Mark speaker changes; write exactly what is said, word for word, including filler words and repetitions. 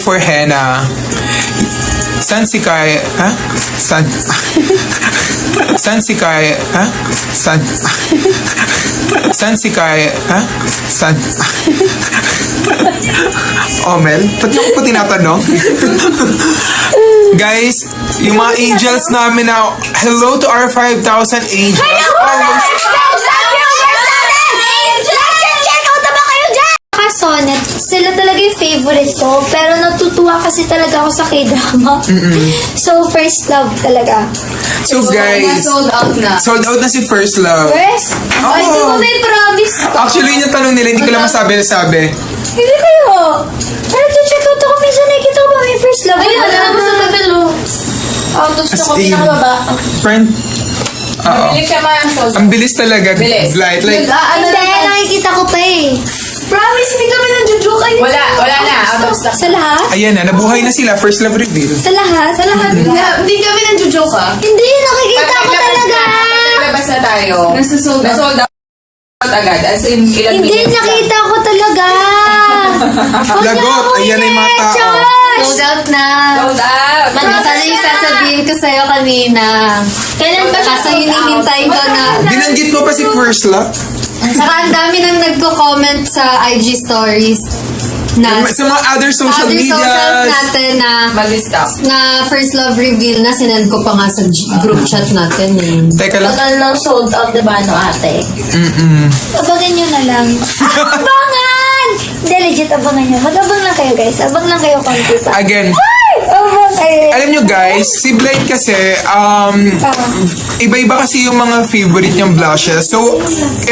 Speaker 1: for henna. San si Kai? Ha? San? San si Kai? Ha? San? San si Kai? Ha? San? Oh, Mel? Ba't niyo ko pa tinatanong? Guys, yung mga angels namin na, hello to our five thousand angels. Almost.
Speaker 2: Sonnet, sila talaga yung favorite ko. Pero natutuwa kasi talaga ako sa K-drama. So, first love talaga.
Speaker 1: So, guys,
Speaker 3: Sold out na.
Speaker 1: sold out na si First Love.
Speaker 2: First?
Speaker 1: Oh.
Speaker 2: Ay, di ko may promise ko.
Speaker 1: Actually, yun yung tanong nila, hindi ko lang masabi na sabi.
Speaker 2: Hindi kayo. Pero check out ako, minsan nakikita ko ba may first love?
Speaker 3: Ayun,
Speaker 2: Wala
Speaker 3: alam mo sa
Speaker 2: naman.
Speaker 3: tabelo. Oh, gusto ko
Speaker 1: As in,
Speaker 3: pinakababa.
Speaker 1: Friend, oo.
Speaker 3: Bilis ka man, sold
Speaker 1: Ang bilis talaga.
Speaker 3: Bilis.
Speaker 1: Blight. Like,
Speaker 3: Nag-aano
Speaker 2: Hindi,
Speaker 3: na.
Speaker 2: nakikita ko pa eh.
Speaker 3: Promise, hindi kami nang-joke kayo. Wala, wala na. Out of stock.
Speaker 2: Sa lahat?
Speaker 1: ayan na, nabuhay na sila. First Love reveal.
Speaker 2: Sa lahat? Sa lahat?
Speaker 3: Hindi kami nang-joke ah.
Speaker 2: Hindi, nakikita ko talaga.
Speaker 3: Naglabas na tayo. Nasa-sold out. Nasa-sold out agad. As in, ilang
Speaker 2: Hindi,
Speaker 3: minutes lang.
Speaker 2: nakita ko talaga.
Speaker 1: Lagot. Ayan na yung mga tao.
Speaker 2: Sold out na.
Speaker 3: Sold out.
Speaker 2: Manasa na yung sasabihin ko sa'yo kanina. Kailan ba siya? Kaso hinihintay ko na.
Speaker 1: Binanggit mo pa si First Love?
Speaker 2: Saka ang dami nang nagko-comment sa I G stories na
Speaker 1: Sa mga other social
Speaker 2: other
Speaker 1: media.
Speaker 2: socials natin na
Speaker 3: Mag-stop.
Speaker 2: na first love reveal na sinend ko pa nga sa G- group chat natin eh.
Speaker 1: Teka lang.
Speaker 4: Total lang sold out, diba, no, ate?
Speaker 1: Mm-mm.
Speaker 2: Abangan nyo na lang. Abangan! Hindi, legit, abangan nyo. Mag-abang lang kayo, guys. Abang lang kayo konti pa.
Speaker 1: Again,
Speaker 2: Ay! Abang kayo.
Speaker 1: alam nyo guys, si Blight kasi, um, iba-iba kasi yung mga favorite niyang blushes. So,